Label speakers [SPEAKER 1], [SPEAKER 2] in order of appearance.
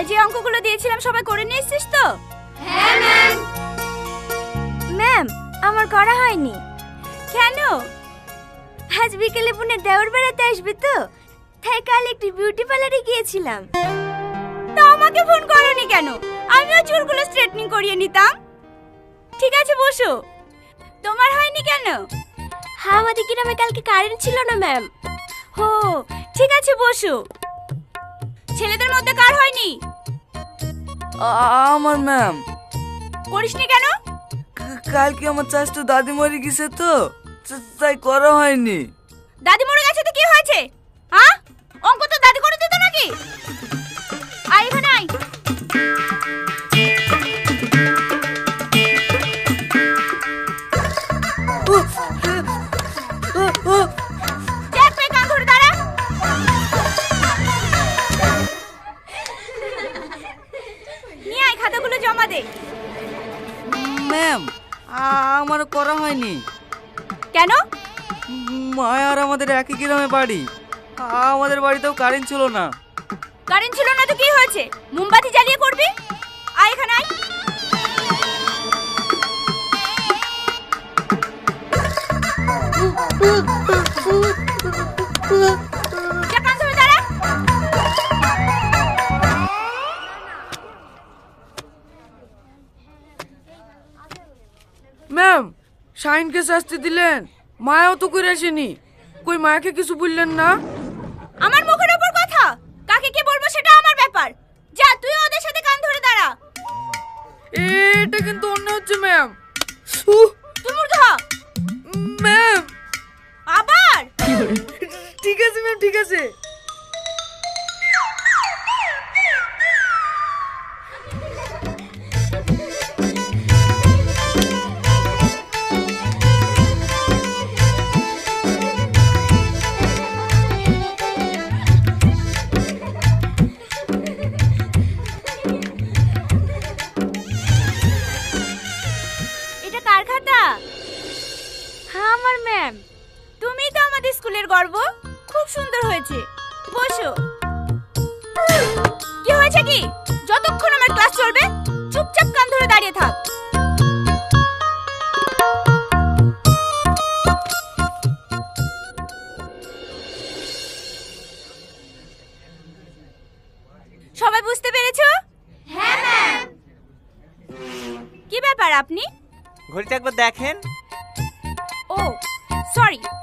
[SPEAKER 1] কাল যে অঙ্কগুলো দিয়েছিলাম সবাই করে নিয়ে এসেছিস তো?
[SPEAKER 2] হ্যাঁ ম্যাম।
[SPEAKER 1] ম্যাম, আমার করা হয়নি। কেন? আজ বিকেলে পুনে দেওর বেড়াতে আসবে তো, তাই কাল একটি বিউটি পার্লারে গিয়েছিলাম। তা আমাকে ফোন করোনি কেন? আমিও চুলগুলো স্ট্রেটনিং করিয়ে নিতাম। ঠিক আছে বসো। তোমার হয়নি কেন? হ্যাঁ, আমাদের গ্রামে কালকে কারেন্ট ছিল না ম্যাম। হো, ঠিক আছে বসো। ছেলেদের মধ্যে কার হয়নি?
[SPEAKER 3] আমার ম্যাম।
[SPEAKER 1] করিসনি কেন?
[SPEAKER 3] কালকে আমার চাচতো দাদি মরে গেছে তো, তাই করা হয়নি।
[SPEAKER 1] দাদি মরে গেছে তো কি হয়েছে? হ্যাঁ, অঙ্ক তো দাদি করে দিত নাকি? আয় এখানে আয়। চেক পে কান ধরে দাঁড়া। নিয়ে আয়, খাতাগুলো জমা দে।
[SPEAKER 3] ম্যাম, আমার করা হয়নি।
[SPEAKER 1] কেন?
[SPEAKER 3] মায়া আর আমাদের একই গ্রামে বাড়ি, আমাদের বাড়িতেও কারেন্ট ছিল না।
[SPEAKER 1] কারেন্ট ছিল না তো কি হয়েছে? মোমবাতি জ্বালিয়ে করবি। আয় এখানে আয়। যা, কান ধরে দাঁড়া।
[SPEAKER 3] ম্যাম, শাইনকে শাস্তি দিলেন, মায়াও তো করে আসেনি। কই মায়াকে কিছু বললেন না?
[SPEAKER 1] আমার মুখের উপর কথা, কাকে কি বলবো সেটা আমার ব্যাপার। যা, তুই ওদের সাথে কান ধরে দাঁড়া।
[SPEAKER 3] এটা কিন্তু অন্য হচ্ছে ম্যাম।
[SPEAKER 1] তুই মূর্খ।
[SPEAKER 3] ম্যাম,
[SPEAKER 1] আবার?
[SPEAKER 3] ঠিক আছে ম্যাম, ঠিক আছে।
[SPEAKER 1] এটা কার খাতা? হ্যাঁ, আমার ম্যাম। তুমি তো আমাদের স্কুলের গর্ব। খুব সুন্দর হয়েছে, বসো। কি হয়েছে কি? যতক্ষণ আমার ক্লাস চলবে চুপচাপ কান ধরে দাঁড়িয়ে থাক। সবাই বুঝতে পেরেছো?
[SPEAKER 2] হ্যাঁ ম্যাম।
[SPEAKER 1] কি ব্যাপার আপনি?
[SPEAKER 4] ঘড়িটা একবার দেখেন।
[SPEAKER 1] ও সরি,